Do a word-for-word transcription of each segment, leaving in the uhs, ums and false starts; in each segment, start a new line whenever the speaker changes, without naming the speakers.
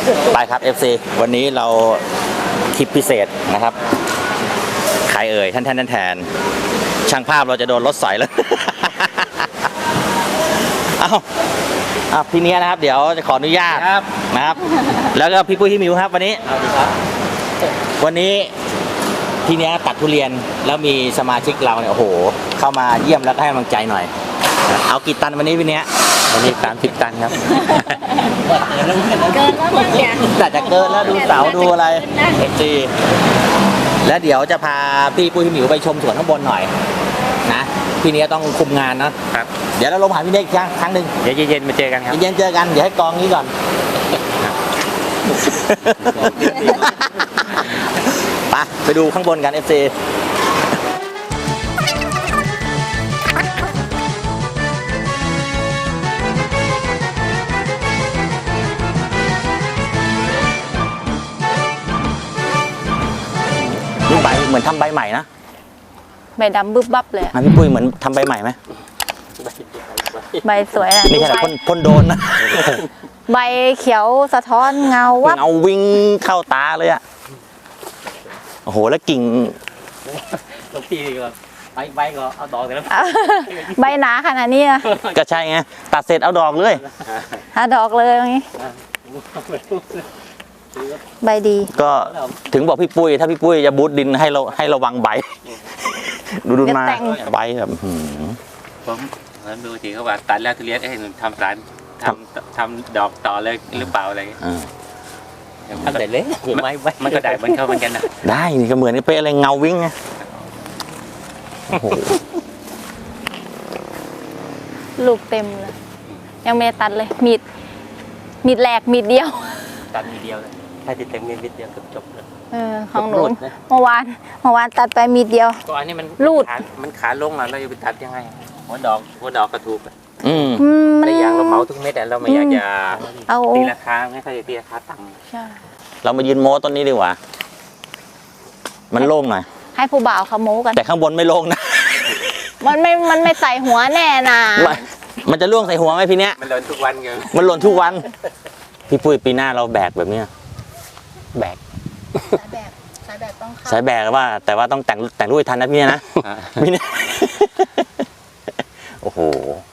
ไปครับ เอฟ ซี วันนี้เราคลิปพิเศษนะครับใครเอ่ยท่านท่านท่านแทนช่างภาพเราจะโดนรถสอยแล้ว เอาเอาพี่เนี้ยนะครับเดี๋ยวจะขออนุญาตนะครับแล้วก็พี่ปุ้ยพี่มิวครับวันนี้วันนี้พี่เนี้ยตัดทุเรียนแล้วมีสมาชิกเราเนี่ยโอ้โหเข้ามาเยี่ยมแล้วก็ให้กำลังใจหน่อยเอากี่ตันวันนี้พี่เนี้ยวันนี้สามสิบตันครับ
เกินแล้วมั้งเนี่ย
แต่จะเกินแล้วดูเสาดูอะไรเอฟซีแล้วเดี๋ยวจะพาพี่ปุ้ยพี่หมิวไปชมสวนข้างบนหน่อยนะพี่เนี้ยต้องคุมงานนะครับเดี๋ยวเราลงหาพี่เนี้ยอีกครั้งหนึ่ง
เดี๋ยวเย็นๆมาเจอกันครับ
เย็นๆเจอกันเดี๋ยวให้กองนี้ก่อนไปไปดูข้างบนกัน เอฟ ซี นี่ใบเหมือนทำใบใหม่นะ
ใบดำบึบบับเลย
อ่ะพี่ปุ้ยเหมือนทำใบใหม่ไหม
ใบสวยนะ
นี่ขนาดพ่นพ่นโดนนะ
ใบเขียวสะท้อนเงาวับ
เอาวิ่งเข้าตาเลยอะโอ้โหแล้วกิ่ง
ลูกพี่ก็ใบใบก็เอาดอกเลยแล้ว
ใบหนาขนาดนี้นะ
ก็ใช่ไงตัดเสร็จเอาดอกเลย
หาดอกเลยอย่างนี้ใบดี
ก็ถึงบอกพี่ปุ้ยถ้าพี่ปุ้ยจะบูทดินให้เราให้ระวังใบดูดูมาใบแบบ
ผมเหมือนดูทีเขาว่าตัดแล้วทุเรียนให้ทำสารทำทำดอกต่อเลยหรือเปล่าอะไรทำเสร็จเลยไม่มันก็ได้เหมือนเขาเหมือนกันนะ
ได้นี่ก็เหมือนกันเป๊ะอะไรเงาวิ่งไง
ลูกเต็มเลยยังไม่ตัดเลยมีดมีดแหลกมีดเดียว
ตัดมีดเดียวเลยถ้าติดเต็มมีดเดียวเกือบจบเลย
เออของหนูเมื่อวานเมื่อวานตัดไปมีดเดียว
ก็อันนี้มัน
รูด
มันขาลงอ่ะเราจะไปตัดยังไงหัวดอกหัวดอกกระทูก
อืม
แต่อย่างเราเหมาทุกเม็ดแต่เราไม่อยากจะตีราคาไม่ค่อยจะตีราคาต่ำ
ใช่
เรามายืนโม้ต้นนี้ดีกว่ามันโล่งหน่อย
ให้ผู้บ่าวเขาโม้กัน
แต่ข้างบนไม่โล่งนะ
มันไม่มันไม่ใส่หัวแน่นะ
มันจะล่วงใส่หัวไหมพี่เนี้ย
มันหล่นทุกวันไง
มันหล่นทุกวันพี่ปุ้ยปีหน้าเราแบกแบบเนี้ยแบก
สายแบบสายแบบต้อง
สายแบกว่าแต่ว่าต้องแต่งแต่งรูปทันนะพี่นะพี่เนี่ยโอ้โห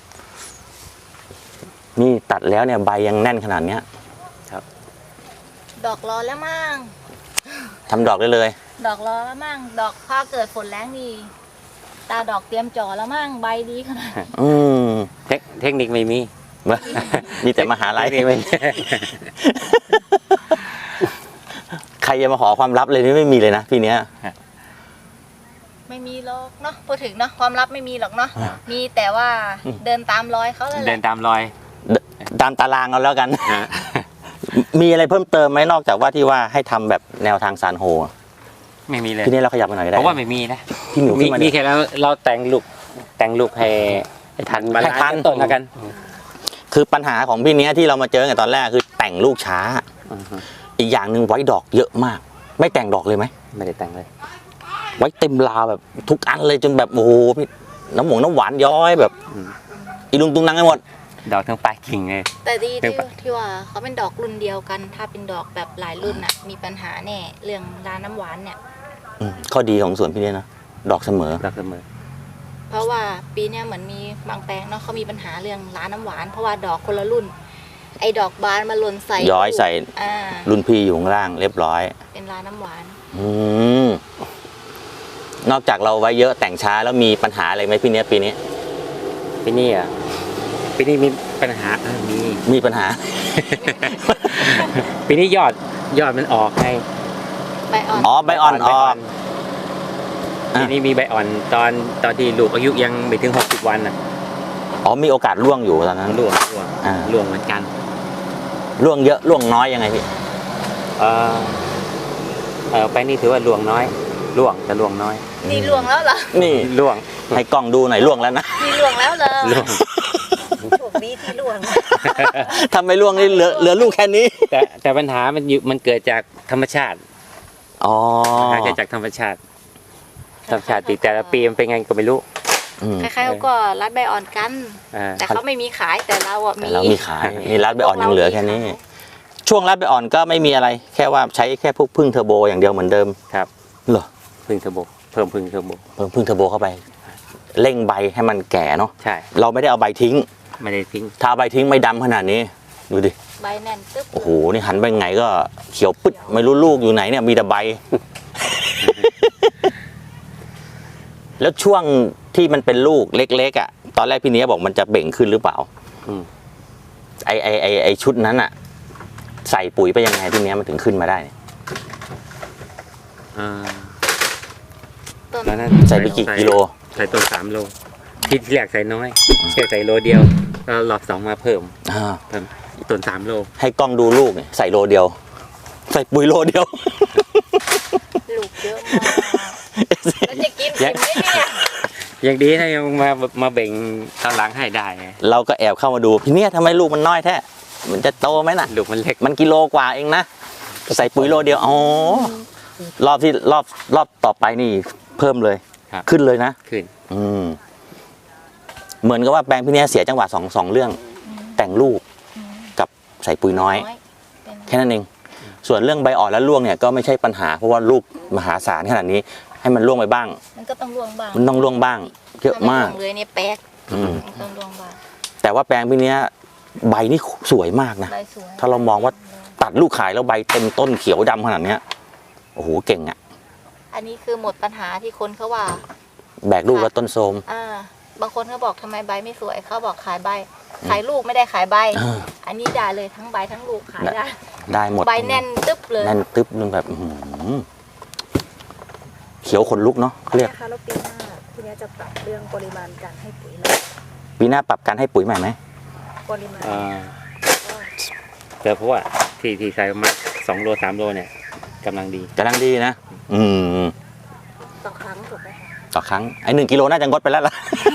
นี่ตัดแล้วเนี่ยใบยังแน่นขนาดเนี้ย
ครับ
ดอกรอแล้วมั่ง
ทำดอกได้เลย
ดอกรอแล้วมั่งดอกพอเกิดฝนแรงดีตาดอกเตรียมจ่อแล้วมั่งใบดีขนาด
อืม
เทคนิคไม่มี
มีแต่มหาลัยใครจะมาขอความลับเลยนี่ไม่มีเลยนะพี่เนี้ย
ไม่มีหรอกเนาะพูดถึงเนาะความลับไม่มีหรอกเนาะมีแต่ว่าเดินตามรอยเขาเลย
เดินตามรอย
ตามตารางเอาแล้วกันมีอะไรเพิ่มเติมไหมนอกจากว่าที่ว่าให้ทำแบบแนวทางซานโฮ
ไม่มีเลย
ทีนี้เราขยับมาหน่อยได้
เพราะว่าไม่มีนะ
พี่หมิว
มีมีแค่เราเราแต่งลูกแต่งลูกให้ทันมาล้านต้นแล้วกัน
คือปัญหาของพี่เนี้ยที่เรามาเจอกันตอนแรกคือแต่งลูกช้าอีกอย่างหนึ่งไว้ดอกเยอะมากไม่แต่งดอกเลยไหม
ไม่ได้แต่งเลย
ไว้เต็มลาแบบทุกอันเลยจนแบบโอ้โหพี่น้ำหมงน้ำหวานย้อยแบบอีลุงตุงนังกันหมด
ดอกทั้งปลายกิ่งเลย
แต่ดีที่ที่ว่าเขาเป็นดอกรุ่นเดียวกันถ้าเป็นดอกแบบหลายรุ่นน่ะมีปัญหาแน่เรื่องราน้ำหวานเนี่ย
ข้อดีของสวนพี่เนี่ยนะดอกเสมอ
ดอกเสมอ
เพราะว่าปีนี้เหมือนมีบางแปลงเนาะเขามีปัญหาเรื่องราน้ำหวานเพราะว่าดอกคนละรุ่นไอ้ดอกบานมาหล่นใส่
ย้อยใส่รุ่นพี่อยู่ข้างล่างเรียบร้อย
เป็นราน้ำหวาน
อืมนอกจากเราไว้เยอะแต่งช้าแล้วมีปัญหาอะไรไหมพี่เนี้ยปีนี้
ปีนี้อ่ะปีนี้มีปัญหามี
มีปัญหา
ปีนี้ยอดยอดมันออกไง
ใบอ่อน
อ๋อใบอ่อนออก
ปีนี้มีใบอ่อนตอนตอนที่ลูกอายุยังไม่ถึงหกสิบวันอ่ะ
อ๋อมีโอกาสร่วงอยู่ตอนนั้น
ร่วงร่วงอ่าร่วงเหมือนกัน
ร่วงเยอะร่วงน้อยยังไงพี่
เออเออไปนี่ถือว่าร่วงน้อยร่วงแต่ร่วงน้อย
นี่ร่วงแล้วเหรอ
นี่
ร่วง
ให้กล้องดูหน่อยร่วงแล้วนะ
นี่ร่วงแล้วเหรอ
ร่วง
โชคดีที่ร่วง
ทำไมร่วงนี่เหลือเหลือลูกแค่นี้
แต่แต่ปัญหามันอยู่มันเกิดจากธรรมชาติ
อ๋อ
เกิดจากธรรมชาติธรรมชาติแต่ละปีมันเป็นไงก็ไม่รู้
ใครๆเขาก็รัดใบอ่อนกันแต่เขาไม่มีขายแต่เราอ่ะมี
เรามีขายมีรัดใบอ่อนยังเหลือแค่นี้ช่วงรัดใบอ่อนก็ไม่มีอะไร แค่ว่าใช้แค่พวกพึ่งเทอร์โบอย่างเดียวเหมือนเดิม
ครับ
เหรอ
พึ่งเทอร์โบเพิ่มพึ่งเทอร์โบ
เพิ่มพึ่งเทอร์โบเข้าไปเร่งใบให้มันแก่เนาะ
ใช่
เราไม่ได้เอาใบทิ้ง
ไม่ได้ทิ้ง
ถ้าเอาใบทิ้งไม่ดำขนาดนี้ดูดิ
ใบแน่นตึ๊บ
โอ้โหนี่หันไปไงก็เขียวปึ๊ดไม่รู้ลูกอยู่ไหนเนี่ยมีแต่ใบ แล้วช่วงที่มันเป็นลูกเล็กๆอ่ะตอนแรกพี่เนี้ยบอกมันจะเบ่งขึ้นหรือเปล่า
อืม
ไอไอไอไอชุดนั้นอ่ะ ใส่ปุ๋ยไปยังไงพี่เนี้ยมันถึงขึ้นมาได้
อ่า
ต้น
แล้วนั้น
ใส่ไปกี่กิโล
ใส่ต้นสามโลที่แรกใส่น้อยแค่ใส่โลเดียวแล้วรอบสองมาเพิ่ม
อ่า
เพิ่มต้นสามโล
ให้กล้องดูลูกเนี่ยใส่โลเดียว ใส่ปุ๋ยโลเดียว
ลูกเยอะมากแล้วจะกินอิ่มไหมเนี่ย
ยังดีถ้ายังมามาเบ่งตอนหลังให้ได้ไง
เราก็แอบเข้ามาดูพี่เนี่ยทำไมลูกมันน้อยแท้มันจะโตไหมน่ะ
ลูกมันเล็ก
มันกิโลกว่าเองนะใส่ปุ๋ยโลเดียวอ๋อรอบที่รอบรอบต่อไปนี่เพิ่มเลย
ครับ
ขึ้นเลยนะ
ขึ้น
อืมเหมือนกับว่าแปลงพี่เนี้ยเสียจังหวะสองสองเรื่อง แต่งลูกกับใส่ปุ๋ยน้อย
เป็น
แค่นั้นเอง ส่วนเรื่องใบอ่อนและร่วงเนี่ยก็ไม่ใช่ปัญหาเพราะว่าลูกมหาศาลขนาดนี้ ให้มันร่วงไปบ้าง
มันก็ต้องร่วงบ้าง
มันต้องร่วงบ้าง เยอะมาก
ถ้ไร่วงเลยเนี่ยแปลก
อืม
มันต้องร่วงบ้าง
แต่ว่าแปลงพี่เนี้ยใบนี่สวยมากนะ
ใบสวย
ถ้าเรามองว่าตัดลูกขายแล้วใบเต็มต้นเขียวดำขนาดเนี้ยโอ้โหเก่งอะ
อันนี้คือหมดปัญหาที่คนเขาว่า
แบกลูกแล้วต้นโทรม
อ่า บางคนเขาบอกทำไมใบไม่สวยเขาบอกขายใบ ขายลูกไม่ได้ขายใบ
อ่า
อันนี้ได้เลยทั้งใบทั้งลูกขายได้
ได้หมด
ใบแน่นตึ๊บเลย
แน่นตึ๊บนึงแบบอื้อหือเขียวขนลุกเนาะเขาเรียก
นะคะแล้วปีหน้าทีนี้จะปรับเรื่องปริมาณการให้ปุ๋ยแล้ว
ปีหน้าปรับการให้ปุ๋ยใหม่ไหม
ปริมาณ
อ่าแต่เพราะว่าที่ที่ใส่ประมาณสองโลสามโลเนี่ยกำลังดี
กำลังดีนะอืม
ต่อครั้งถูกไหมคะ
ต่อครั้งไอ้หนึ่งกิโลน่าจะงดไปแล้วล่ะ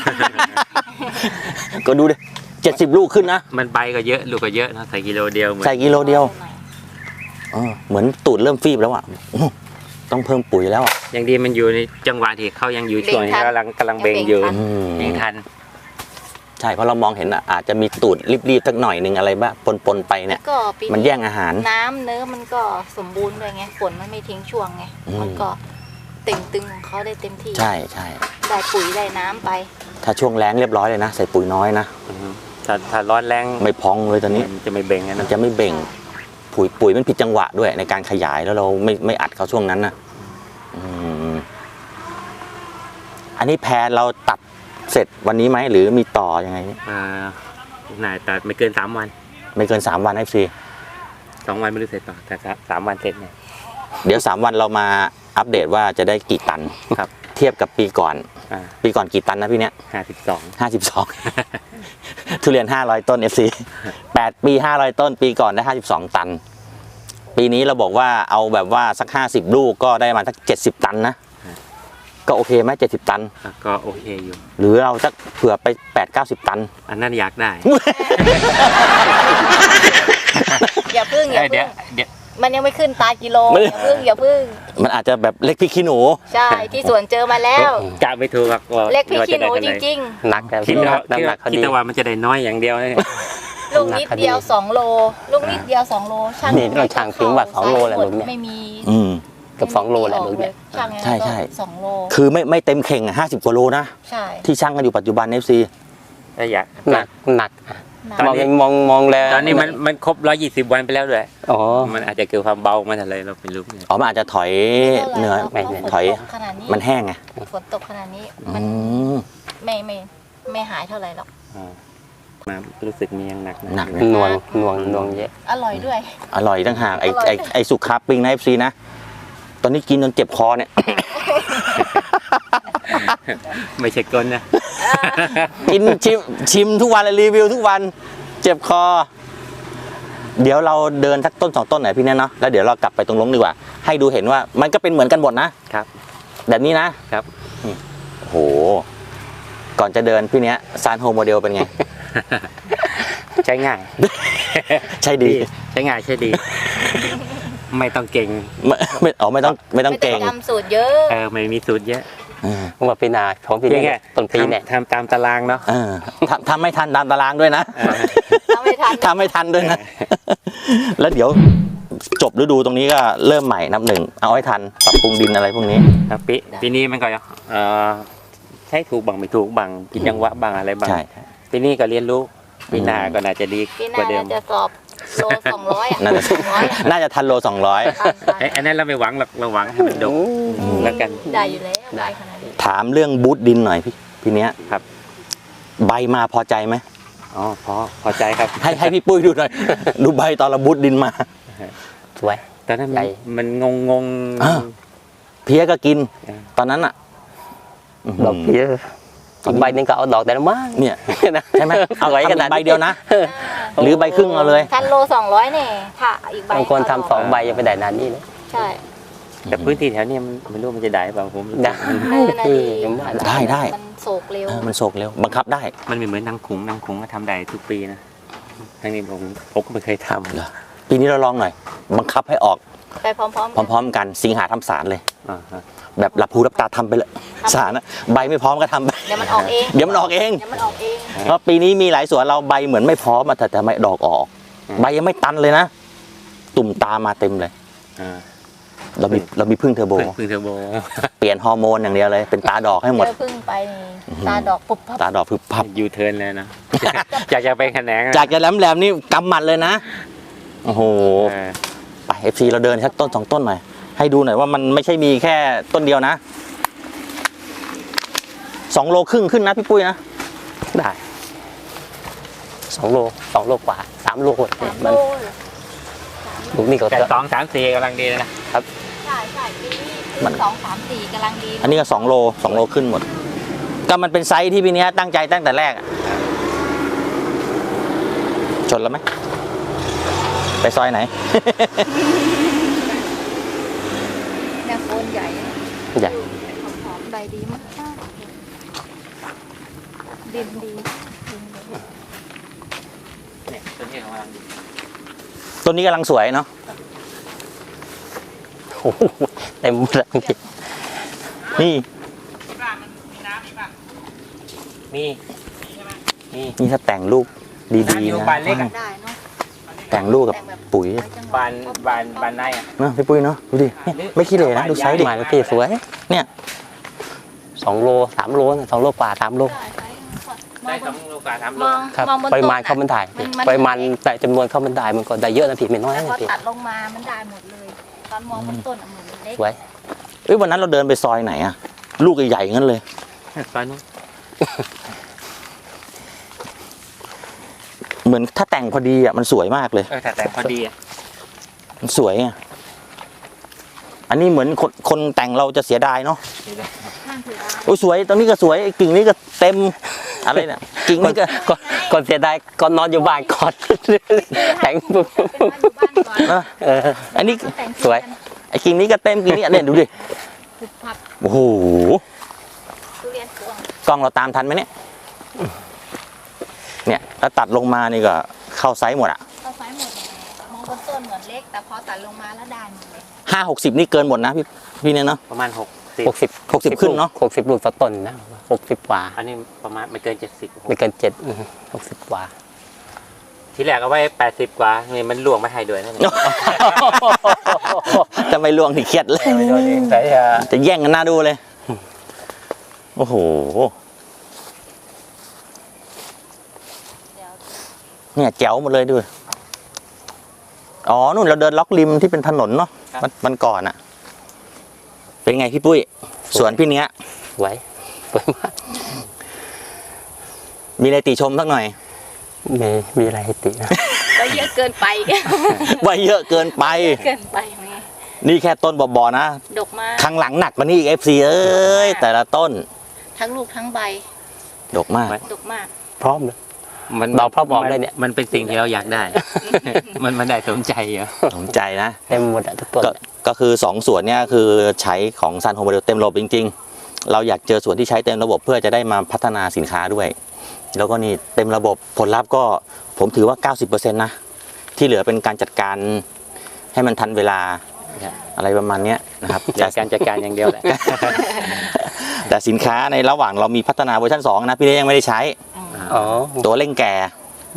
ก็ดูดิเจ็ดสิบลูกขึ้นนะ
มันใบก็เยอะลูกก็เยอะนะใส่กิโลเดียวเหมือน
ใส่กิโลเดียวเออเหมือนตูดเริ่มฟีบแล้วอ่ะอื้อต้องเพิ่มปุ๋ยแล้วอ่ะ
ยังดีมันอยู่ในจังหวะที่เขายังอยู่ช่วงที่กำลังกำลังเบ่งอยู่
อืม
ยังทัน
ใช่เพราะเรามองเห็นอ่ะอาจจะมีตูดรีบๆสักหน่อยหนึ่งอะไรบ้างปนๆไปเนี่ย
ก็ปี
มันแย่งอาหาร
น้ำเนื้อมันก็สมบูรณ์ด้วยไงฝนมันไม่ทิ้งช่วงไง
อืม
มันก็เต่งตึงของเขาได้เต็มที่
ใช่ใช่
ได้ปุ๋ยได้น้ำไป
ถ้าช่วงแรงเรียบร้อยเลยนะใส่ปุ๋ยน้อยนะ
อือฮึถ้าถ้าร้อนแรง
ไม่พองเลยตอนนี้
มันจะไม่เบ่งไง
มัน
นะ
จะไม่เบ่งปุ๋ยปุ๋ยมันผิดจังหวะด้วยในการขยายแล้วเราไม่ไม่อัดเขาช่วงนั้นนะอืมอันนี้แพรเราตัดเสร็จวันนี้ไหมหรือมีต่อยังไง
อ่าน่าแต่ไม่เกินสามวัน
ไม่เกินสามวันเอฟซี
สองวันไม่รู้เสร็จต่อแต่สามสามวันเสร็จเนี่ย
เดี๋ยวสามวันเรามาอัปเดตว่าจะได้กี่ตัน
ครับ
เทียบกับปีก่อน
อ่า
ปีก่อนกี่ตันนะพี่เนี้ย
ห้าสิบสอง
ห้าสิบสอง ทุเรียนห้าร้อยต้น เอฟ ซี แปดปีห้าร้อยต้น ปีก่อนได้ห้าสิบสองตัน ปีนี้เราบอกว่าเอาแบบว่าสักห้าสิบลูกก็ได้มาสักเจ็ดสิบตันนะก็โอเคไหมเจ็ดสิบตัน
ก็โอเคอยู่
หรือเราสักเผื่อไปแปดเก้าสิบตัน
อันนั้นอยากได้
อย่าพึ่งอย่า
เดี๋
พึ่
ยว
ง
เดี๋ยว
มันยังไม่ขึ้นตากิโล
ไม่
อย่าพึ่งอย่าพึ่ง
มันอาจจะแบบเล็กพริกขี้หนู
ใช่ที่สวนเจอมาแล้ว
กะไม่ถูกหรอกว่า
เล็กพี่
ว่า
ขี้
จะ
ห
ได้
นู
เท่า
จ
ไหร่
ริง
หนักแต่
คิดว่า
น้ำหนักเขา
คิด
ดี
ว่ามันจะได้น้อยอย่างเดียวเนี่ย
ๆ ลูกนิดเดียวสองโล ลูกนิดเดียวสองโลช่าง
นี่เราช่างทิ้งว่าสองโลแหละ
สาย
ลุงเนี่ย
ไม่มี
อืม
เกับสองโลแหละลุงเนี่ย
ช่างยังไง
ใช่ใช่
ก็สองโล
คือไม่ไม่เต็มเข่งห้าสิบกว่าโลนะ
ใช่
ที่ช่างกันอยู่ปัจจุบัน เอฟ ซี
ถ้าอยาก
หนักหนัก
หนัก
ตอน
มอง
นี้
มองมองแล้ว
ตอนนี้มันมันครบร้อยยี่สิบวันไปแล้วด้วย
อ๋อ
มันอาจจะเกิดความเบามาอะไรเราไม่รู้เนี่ย
อ๋อมันอาจจะถอยเนื้อ
ไม่ท่าหร่
ถอย
ฝนตกขนาดนี้
มันแห้งไง
ฝนตกขนาดนี้
อื
มัน
ม
ไม่ไม่ไม่หายเท่าไหร่หรอก
อ่ามารู้สึกมียังหนัก
หนัก
นวลนวลนวลเยอะ
อร่อยด้วย
อร่อยตั้งหากไอ
อร่อย
ไอไอสุขาปิงนะ เอฟ ซี นะ ตอนนี้กินจนเจ็บคอเนี่ย
ไม่ใช่ก้นนะ
กินชิมชิมทุกวันเลยรีวิวทุกวัน เจ็บคอ เดี๋ยวเราเดินสักต้นสองต้นไหนอยพี่เนี่ยเนาะแล้วเดี๋ยวเรากลับไปตรงลงดีกว่า ให้ดูเห็นว่ามันก็เป็นเหมือนกันหมดนะครับ แบบนี้นะครับ นี่โอ้โห ก่อนจะเดินพี่เนี้ยซานโฮโมเดลเป็นไง
ใช้ง่าย
ใช่ดี
ใช้ง่ายใช้ดี ไม่ต้องเก่ง
ไม่ไม่อ๋อไม่ต้องไม่ต้องเก่ง
ไม่ต้องจำสูตรเยอะ
เออไม่มีสูตรเยอะ
เออ
ผมว่าปีหนาของปี
เพีย
นี้
งแค่
ต้นปีเนี่ย
ทำทำตามตารางเนาะ
เออทำทำไม่ทันตามตารางด้วยนะ
เออ
ทำไม่ทัน
ทำไม่ทันด้วยนะ แล้วเดี๋ยวจบฤดูตรงนี้ก็เริ่มใหม่นับหนึ่งเอาให้ทันปรับปรุงดินอะไรพวกนี้
ครับปีปีนี้มันก็เอ่อใช้ถูกบังไม่ถูกบังกินจังหวะบังอะไรบัง
ใช่
ปีนี้ก็เรียนรู้ปีหน้าก็น่าจะดี
ปีห
ก
น้า
ว่าเดิม
น่าจะสอบโลสองร้อยอ่ะ
น่าจะ
สองร้อยอะ
น่าจะทันโลสองร้อย
ทันทัน
เอ้ยอันนั้นเราไม่หวังหรอกเราหวังให้มันดกแล้วกัน
ได้อยู่แล้วได้ขนาดนี้
ถามเรื่องบูทดินหน่อยพี่พี่เนี้ย
ครับ
ใบมาพอใจไหม
อ๋อพอพอใจครับ
ให้ให้พี่ปุ้ยดูหน่อย ดูใบตอนเราบูทดินมา
สวย
ตอนนั้น
ใหญ่
มันงงงง
อ้าว เพี้ยก็กิน
อ่า
ตอนนั้นอ่ะ
ดอกเพี้ยอีกใบหนึงก็เอาดอกแต่ละมั้ง
เนี่ย ใช่ไหมเอา
ไว้
ทำ
ขนาด
ใบเดียวนะ หรือใบครึ่งเอาเลย
ทันโลสองร้อยเนี่ยถ้าอีกใบบ
างคนทำสองใบยังไม่ได้นานนี้เลย
ใช่
แต่พื้นที่แถวเนี้มันไม่รู้มันจะได้เปล่าผม
ได้
เออนา
คือ
ที
ยังว่า
ได้ได้
มันโศกเร็ว
เออมันโศกเร็วบังคับได้
มันไม่เหมือนนางขุงนางขุงก็ทำได้ทุกปีนะทั้งนี้ผมผมก็ไม่เคยทำ
เหรอ ปีนี้เราลองหน่อย บังคับให้ออก
ไปพร้อมๆกัน
พร้อมๆกันสิงหาทำสารเลย
อ่าฮะ
แบบหลับหูหลับตาทำไปเลยสารนะใบไม่พร้อมก็ทำไป
เดี๋ยวมันออกเอง
เดี๋ยวมันออกเอง
เดี๋ยวมันออกเอง
เพราะปีนี้มีหลายสวนเราใบเหมือนไม่พร้อมอะแต่แต่ไม่ดอกออก ใบยังไม่ตันเลยนะ ตุ่มตามมาเต็มเลย
อ่า
เรามีเรามีพึ่งเทอร์โบ
พึ่งพึ่งเทอร์โบ
เปลี่ยนฮอร์โมนอย่างเดียวเลย เป็นตาดอกให้หมด
เจอพึ่งไปนี่ตาดอกปุบพับ
ตาดอกพึบพับ
ยูเทิร์นเลยนะ อยากจะไปแขนงอะ
จากจะแหลมแหลมๆนี่กำหมัดเลยนะ โอ้โห
เออ
ไปเอฟซีเราเดินสักต้นสองต้นหน่อย ให้ดูหน่อยว่ามันไม่ใช่มีแค่ต้นเดียวนะสองโลครึ่งขึ้นนะพี่ปุ้ยนะ
ได้สองโลสองโลกว่าสามโล
สาม
มั
โล
นลูกนี่ก็
แต่สองสามสี่กำลังดีเลยนะ
ใช่ใช่ปีนี้
มัน
สองสามสี่กำลังดี
อันนี้ก็สองโลสองโลขึ้นหมด ก็มันเป็นไซส์ที่พี่เนี้ยตั้งใจตั้งแต่แรกอะชนแล้วไหมไปซอยไหน
เนี่ยโคนใหญ่
ใหญ่
หอมๆใบดีมากดินดีดินดี
เนี่ยต้นนี้กำลังดี
ต้นนี้กำลังสวยเนาะ
โอ้โหเต็มหมดเลย
นี่
มีมี
นี่ถ้าแต่งลูกดี
น้ำอยู่
ๆนะ
บานเล็กอะ
ได้เนาะ
แต่งลูกกับ
แต่งแบบ
ปุ๋ย
ไว้จังหวะ
บานบานบานในอ่ะ
เนอะพี่ปุ้ยเนาะดูดินี่ไม่ขี้เหร่นะดูไซส์ดิ
มาแล้วพี่สวย
เนี่ย
สองโลสามโลนะสองโลกว่าสามโล
ได้ได้ม
ได้
อง
สองโลกว่าสามโล
มอง
ครับ
มองบน
ป
ต้น
ริมาณ
อะ
เขามันได้
มันมัน
ปริมาณแต่จำนวนเขามันได้มันก็ได้เยอะนะพี่ไม่น้อย
แต่
นะ
พอ
พี่
ตัดลงมามันได้หมดเลย ตอนมองบนต้นอะเหมือนเล็ก
สวย
เอ้ยวันนั้นเราเดินไปซอยไหนอะลูกใหญ่ๆงั้นเลย
ตอนนู้น
เหมือนถ้าแต่งพอดีอะมันสวยมากเลย
เออแต่แต่งพอดีอ่ะ
มันสวยอะอันนี้เหมือนคนคนแต่งเราจะเสียดายเนาะ
ข้างถือว่า
โอ้ยสวยตรงนี้ก็สวยไอ้กิ่งนี้ก็เต็มอะไรเนี่ยกิ่งนี้ก็
ก่อนก่อนเสียดายก่อนนอนอยู่บ้านก่อน แต่งปุ๊บ
เป็นบ้านอยู่บ้านก่อน
เออ
เออ
อันนี้
แต่ง
สวย
ไอ้กิ่งนี้ก็เต็มกิ่งนี้เนี่ยดูดิ
ปุบพับ
โอ้โห
ทุเรียนพวง
กล้องเราตามทันไหมเนี่ยเนี่ยแล้วตัดลงมานี่ก็เข้าไซส์หมดอะ
เอาไฟหมดเลยมองบนต้นเหมือนเล็ก แต่พอตัดลงมาแล้วได้หมดเลย
ห้าหกสิบนี่เกินหมดนะพี่พี่เนี่ยเนาะ
ประมาณหกสิบ
หกสิบ
หกสิบขึ้นเนอะ
หกสิบลูกต่อต้นนะหกสิบกว่า
อันนี้ประมาณไม่เกินเจ็ดสิบ
ไม่เกินเจ็ดหกสิบกว่า
ทีแรกเอาไว้แปดสิบกว่านี่มันล่วงไม่ให้ด้วยนะเนี่ย
จะไม่ลวงที่เครียดเลย
ไม่โดนเองแต่จะ
จะแย่งกันหน้าดูเลย โอ้โห
เดี๋ยว
เนี่ยแจ๋วหมดเลยดู อ๋อ นู่นเราเดินล็อกริมที่เป็นถนนเนาะมันมันก่อนอะเป็นไงพี่ปุ้ย สวนพี่เนี้ย
สวยสวยมาก
มีอะไรติชมสักหน่อย
มีมีอะไรให้ตินะ
ก็เยอะเกินไป
ว่าเยอะเกินไป
เกินไปไหม
นี่แค่ต้นบอๆนะ
ดกมาก
ข้างหลังหนักกว่านี้อีกเอฟซีเอ้ย แต่ละต้น
ทั้งลูกทั้งใบ
ดกมาก
ดกมาก
พร้อมเลย
มัน
เราพร้อมออกเลยเนี่ย
มันเป็นสิ่งที่เราอยากได้ มันมันได้สมใจเหรอ
สนใจนะ
เต็มหมดอะทุกต้น
ก็ก็คือสองส่วนเนี่ยคือใช้ของซันโฮมโมเดลเต็มระบบจริงๆ เราอยากเจอส่วนที่ใช้เต็มระบบเพื่อจะได้มาพัฒนาสินค้าด้วย แล้วก็นี่เต็มระบบผลลัพธ์ก็ผมถือว่า เก้าสิบเปอร์เซ็นต์ นะ ที่เหลือเป็นการจัดการให้มันทันเวลาอะไรประมาณเนี้ยนะครับ
จากการจัดการอย่างเดียวแหละ
แต่สินค้าในระหว่างเรามีพัฒนาเวอร์ชันสองนะพี่เล็กยังไม่ได้ใช้
อ๋อ
ตัวเร่งแก่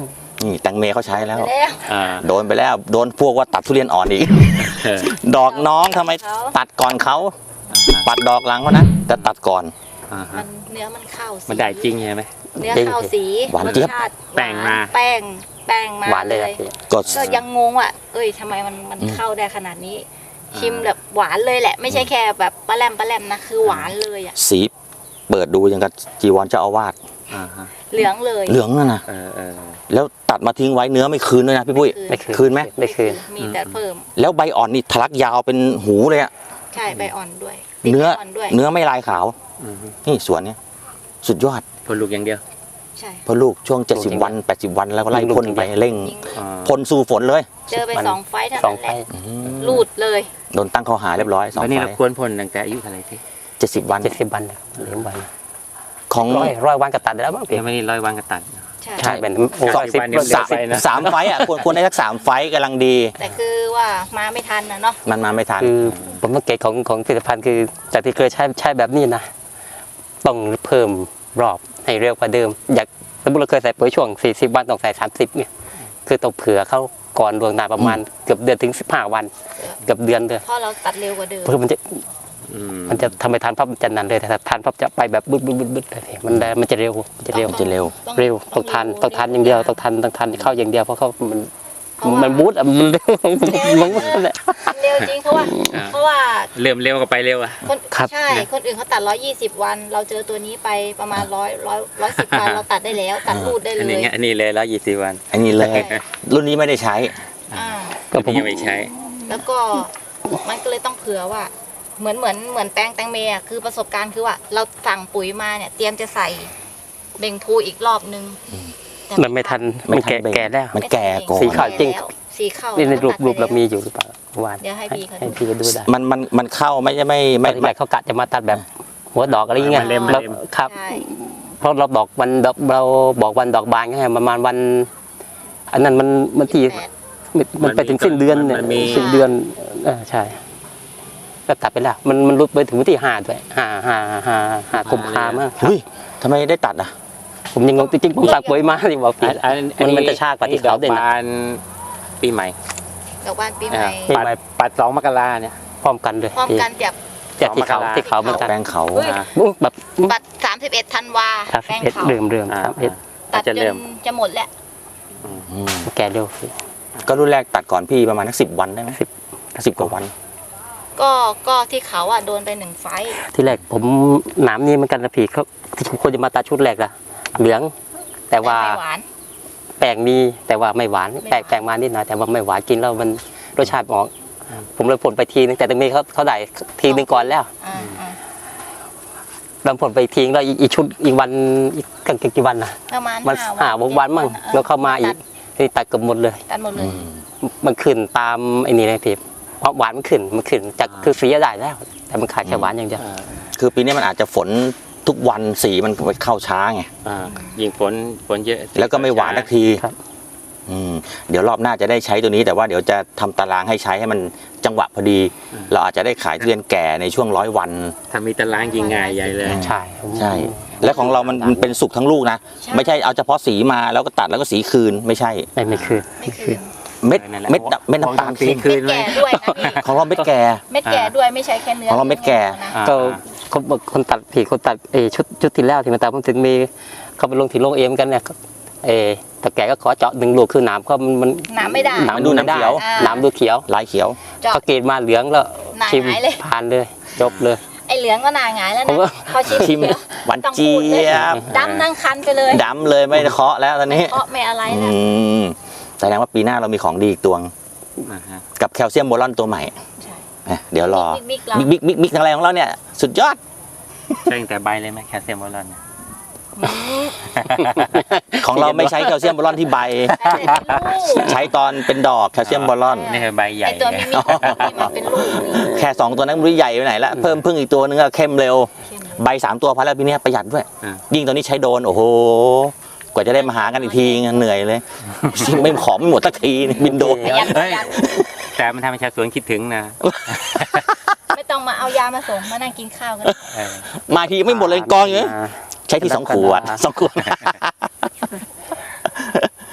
นี่แตงเมเขาใช้แล้ว
ไปแล้ว
อ่า
โดนไปแล้ว โดนพวกว่าตัดทุเรียนอ่อนอีก
เออ
ดอกน้องทำไม
เขา
ตัดก่อนเขาปัดดอกหลังเขานะแต่ตัดก่อน
อ่า
มั
ฮะ
นเนื้อมันเข้าสี
มันได้จริงใช่ไหม
เนื้อเข้าสี
หวานเจี๊ยบ
รสชาติ
แป้งมา
แป้งแป้งมา
หวานเลยอะพี่
ก็
ก็ยังงงว่าเอ้ยทำไมมันมัน
อืม
เข้าได้ขนาดนี้ ชิมแบบหวานเลยแหละ ไม่ใช่แค่แบบปลาแรมปลาแรมนะคือหวานเลยอ่ะ
สีเปิดดูยังกับจีวรเจ้าอาวาส
อ่าฮะ
เหลืองเลย
เหลืองนั่นนะ
เออเออ
แล้วตัดมาทิ้งไว้เนื้อไม่คืนด้วยนะพี่ปุ้ย
ไม่คืน
คืนไหม
ไม่คืน
มีแต่เพิ่ม
แล้วใบอ่อนนี่ทะลักยาวเป็นหูเลยอะ
ใช่ใบอ่อนด้วย
เนื้อ
ใบอ่อนด้วย
เนื้อไม่ลายขาว
อืม
นี่สวนเนี้ยสุดยอด
ผลลูกอย่างเดียว
ใช่
เพราะลูกช่วงเจ็ดสิบวันแปดสิบวันแล้วก็ไล่พ่นไปเร่ง
ยิง
อ่า
พ่นสู้ฝนเลย
เจอไปสองไฟท์เท่า
สอ
นั้
ง
น
ไฟ
แหละ
อืม
รูดเลย
โดนตั้งข้อหาเรียบร้อยสอง
แล้วนี่
ไฟ
เราควรพ่นตั้งแต่อายุเท่าไหร่ที่
เจ็ดสิบวัน
เจ็ดสิบวันเลยเหลืองวัน
ของ
ร้อยร้อยวันก็ตัดได้แล้วบ้างพี่
ยังไม่ได้ร้อยวันก็ตัด
ใช่
ใช่เป็นโอ้
ส
ร้
อ
อง ยสิบ
วันเดียว
ร้อย
สาม
สิบ
ไปนะ
สามไฟต์อ่ะควรควรได้สักสามไฟต์กำลังดี
แต่คือว่ามาไม่ทันนะเนาะ
มันมาไม่ทัน
คือผมสังเกตของของผลิตภัณฑ์คือจากที่เคยใช้ใช้แบบนี้นะต้องเพิ่มรอบให้เร็วกว่าเดิม อยากสมมติเราเคยใส่ปุ๋ยช่วงสี่สิบวันต้องใส่สามสิบเนี่ยคือต้องเผื่อเขาก่อนล่วงหน้าประมาณเกือบเดือนถึงสิบห้าวันเกือบเดือนเลย
เพราะเราตัดเร็วกว่าเดิม
เพื่อมันจะ
อืม
มันจะทำให้ทานพับจะนานเลยแต่ถ้าทานพับจะไปแบบบึ้ดบึ้ดบึ้ดบึ้ดเลยมันได้มันจะเร็วมันจะเร็ว
จะเร็ว
เร็วต้องทานต้องทานอย่างเดียวต้องทานต้องทานเข้าอย่างเดียวเพราะเขามัน
เพราะว่า
มันบูดอะมันเร็วมันบูดแหละ
เร็วจริงเพราะว่า เพราะว่า
เริ่มเร็วก็ไปเร็วอ่ะ
คน
ครับ
ใช่ คนอื่นเขาตัดร้อยยี่สิบวัน เราเจอตัวนี้ไปประมาณร้อยร้อยร้อยสิบวันเราตัดได้แล้ว ตัดรูดได้
อัน
เล
นี้
ย
ไงอันนี้เลยร้อยยี่สิบวัน
อันนี้เลย รุ่นนี้ไม่ได้ใช้
อ่า
ก็ผม
อันนี้ยังไม่ใช้
แล้วก็มันก็เลยต้องเผื่อว่า เหมือนเหมือนเหมือนแตงแตงเมอ่ะคือประสบการณ์คือว่า เราสั่งปุ๋ยมาเนี่ย เตรียมจะใส่เบ่งพูอีกรอบนึงแต่
มันไม่ทัน
ไม่
มัน
ทัน
แก่
เบ่ง
แก่แล้ว
มันแก่ก่อน
สีขาวจริง
แล้วสีเข้า
นี่ในรูป
ตัดไป
รูปเรา
แล้ว
มีอยู่หรือเปล่าเมื่อวาน
เดี๋ยวให้พี่เขาดู
ให้พี่ก็ดูได้
มันมันมันเข้าไม่ใช่ไม่
ไม่
ไม่
ไม่
ไม่
เขากะจะมาตัดแบบหัวดอกอะไรอย่างเงี้ย
มันเล็มมัน
แล้ว
เล็ม
ครับ
ใช่
เพราะเราบอกวันดอกเราบอกวันดอกบานไงประมาณวัน อันนั้นมันมันที่
แปด
มันมันไปถึงสิ้นเดือนเนี่ย
มันมี
สิ้นเดือนเออใช่ก็ตัดไปแล้วมันมันรุดไปถึงวันที่ห้าด้วยห้าห้าห้าห้ากุมภาพันธ์มั้ง
เฮ้ยทำไมได้ตัดอ่ะ
ผมยังงงจริงๆผมสั่งปุ๋ยมาที่บอกผิด
อันอั
มันมันจะช้ากว่าที่เขาได้
ดอก
นะ
บานปีใหม่
ดอกบานปีให
อ่า
ม่
ปีใหม่
ปัดปัดสองมกราเนี่ย
พร้อมกันเลย
พร้อมกันจับ
จากที่เขา
สองมกรา
ที่เขาเหมือนกัน
แปลงเขา
เฮ้ย
อ่า
อุ๊ยแบบ
ตัดสามสิบเอ็ดธันวา
ครับ
แปลง
เอ็ด
เขา
เริ่มเริ่ม
อ่า
ครับเอ็ด
ตัด
จะ
จ
เริ่
น
ม
จะหมดแล้ว
อืม
แก่เร็ว
ก็รุ่นแรกตัดก่อนพี่ประมาณสักสิบวันได้ไหมสิบสิบกว่าวัน
ก็ก็ที่เขาอ่ะโดนไปหนึ่งไฟท์
ที่แรกผมหนามนี่เหมือนกันนะพี่เขาที่ควรจะมาตัดชุดแรกอะเหลือง แต่ว่า
ไม่หวาน
แป้งมีแต่ว่าไม่หวาน
ไม่หวาน
แป้งแป้งมานิดหน่อยแต่ว่าไม่หวานกินแล้วมันรสชาติออกผมเลยผลไปทีนึงแต่ตรงนี้เขาเขาได้ทีนึงก่อนแล้ว
อ่าอ่า
เราผลไปทีแล้วอีกอีกชุดอีกวันอีกกันกี่วันนะ
ประมาณ
มัน
ห้า
ห้าหกวันมั่ง
ออ
แล้วเข้ามาอีกนี่ตัดเกือบหมดเลย
ตัดหมดเลย
มันขึ้นตามไอ้นี่เลยพี่ความหวานมันขึ้นมันขึ้นจากคือสีได้แล้ว แต่มันขาดแค่หวานอย่างเดียว
อ่า
คือปีนี้มันอาจจะฝนทุกวันสีมันเข้าช้าไง
อ่ายิงฝนฝนเยอะ
แล้วก็ไม่หวานสักที
ครับ
อืมเดี๋ยวรอบหน้าจะได้ใช้ตัวนี้ แต่ว่าเดี๋ยวจะทำตารางให้ใช้ให้มันจังหวะพอดี เราอาจจะได้ขายทุเรียนแก่ในช่วงร้อยวัน
ถ้ามีตารางยิงง่ายใหญ่เลย
ใช่
ใช่ และของเรามันมันเป็นสุกทั้งลูกนะ
ใช่
ไม่ใช่เอาเฉพาะสีมาแล้วก็ตัดแล้วก็สีคืนไม่ใช่
ไม่ไม่คืน
ไม่คืน
เม็ด
นั่นแหละ
เม็ดเม็ดน้ำตาล
สี
เข้ม
คื
เม็ด
นเลย
แก่ด้วยนะพี่
ของเราเม็ดแก่
เม็ดแก่ด้วยไม่ใช่แค่เนื้อ
ของเราเม็ดแก่
นะ
อ่า
ก็คนคนตัดผีคนตัดเออชุดชุดที่แล้วที่มันตัดผมถึงมีเขาไปลงที่โรงเอ็มกันเนี่ยเออแต่แกก็ขอเจาะหนึ่งลูกคือหนามเขามันมัน
หนามไม่ได้
หนามดูน้ำเขียว
อ่า
หนามดูเขียว
ลายเขียว
เจาะ
เขาเกรดมาเหลืองแล้ว
หนา
ชิม
หงายเลย
ผ่านเลยจบเลย
ไอเหลืองก็หนาหงายแล้ว
ผม
นะ
ว่า
พอชิม
ชิม
เขียว
หวาน
ต้อง
เจี๊
พูดเลย
ยบ
ดำนั่งคันไปเลย
ดำเลยไม่ได้เคาะแล้วตอนนี้
เพราะไม่อะไร
อื
นะ
มแสดงว่าปีหน้าเรามีของดีอีกตัวง
อ่าฮะ
กับแคลเซียมโบรอนตัวใหม่
ใช่
อ่ะเดี๋ยวรอ
บิ๊กๆเรา
บิ๊กบิ๊กบิ๊กบิ๊กอะไรของเราเนี่ย สุดยอด
ใช่ตั้งแต่ใบเลยไหมแคลเซียมโบรอนเนี่ย
อืม
ของเราไม่ใช้แคลเซียมโบรอนที่ใบ ใช้ตอนเป็นดอกแคลเซียมโบรอน
นี่คือใบใหญ่
ไอตัว
เล
มิ
ย
มิที่มันเป็นลูกนี่
แค่สองตัวนั้นมันใหญ่ไปไหนละเพิ่มพึ่งอีกตัวนึงก็เข้มเร็ว
เข้มเลย
ใบสามตัวพอแล้วปีเนี้ยประหยัดด้วย
อ่า
ยิ่งตอนนี้ใช้โดรนโอ้โห กว่าจะได้มาหากันอีกทีเหนื่อยเลย ไม่ขอไม่หมดสักทีนี่บินโดรน
ประหยัดประหยัด
แต่มันทำให้ชาวสวนคิดถึงนะ
ไม่ต้องมาเอายามาส่งมานั่งกินข้าวกัน
เออ
มาทีไม่หมดเลยกองเงี้ยใช้ที่สองขวดสองขวด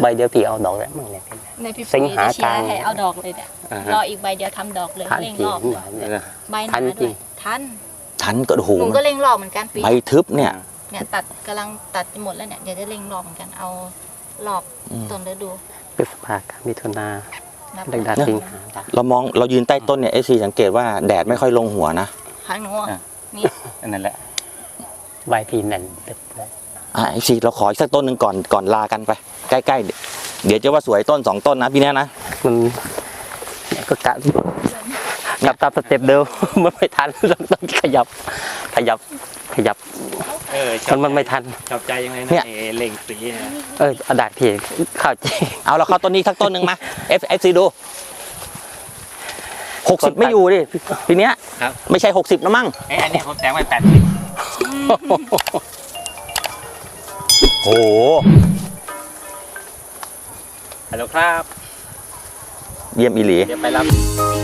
ใบเดียวพี่เอาดอกแล้วมั้งเนี่ย
ในพี่
สิง
ปุ๋ย
หา
จะเชีย
กลาง
ร์ให้เอาดอกเลยเนี่ย
อ่าฮะ
รออีกใบเดียวทำดอกเลย
ทัน
เร่ง
จริ
ร
ง
อบ
เนี่ย
ใบห
ทั
นาน
จริ
ด้วย
ง
ทัน
ทันก็โอ้โห
หนูก็เร่งรอบเหมือนกันปี
ใบทึบเนี่ย
เนี่ยตัดกำลังตัดจะหมดแล้วเนี่ยเดี๋ยวจะเร่งรอบเหมือนกันเอารอบ
อืม
ต้นฤดู
พฤษภาคมมิถุนา
นับ
เดือนสิงหา
เรามองเรายืนใต้ต้นเนี่ยเอซีสังเกตว่าแดดไม่ค่อยลงหัวนะ
ข้างหนูอะ
อ่ะ
นี่
อันนั้นแหละ
ใบพี่แน่นตึ๊บเลย
อ่ะเอซีเราขออีกสักต้นหนึ่งก่อนก่อนลากันไปใกล้ๆเดี๋ยวจะว่าสวยต้นสองต้นนะพี่เนี้ยนะ
มันเนี่ยก็กะกลับตามสเต็ปเดิม มันไม่ทันต้องต้องขยับ ขยับขยับ
เออ
มันมันไม่ทัน
ชอบใจยังไงนะ
เนี่ย
เอเล่งสีเนี่ย
เออเอาได้พี่เข้าใจ
เอาเราเข้าต้นนี้สักต้นหนึ่งมาเอฟเอฟซีดูหกสิบไม่อยู่ดิทีเนี้ย
ครับ
ไม่ใช่หกสิบนะมั้ง
เอ้ยอันนี้ผมแต่งไว้แปดสิบ
โอ้โห
ฮัลโหลครับ
เยี่ยมอีหลี
เดี๋ยวไปรับ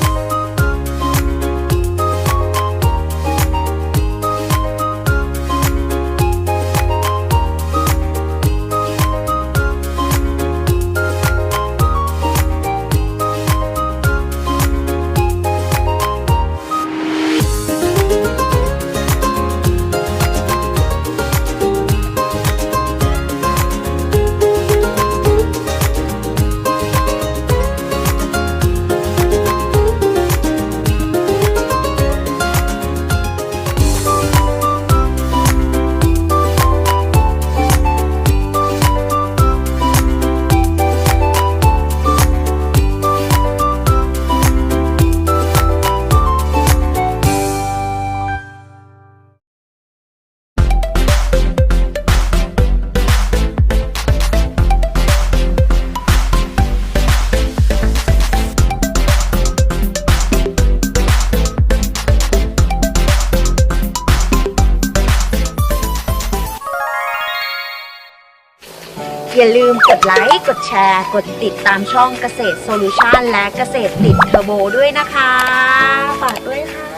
อย่าลืมกดไลค์ กดแชร์ กดติดตามช่องเกษตรโซลูชันและเกษตรติดเทอร์โบด้วยนะคะ ฝากด้วยค่ะ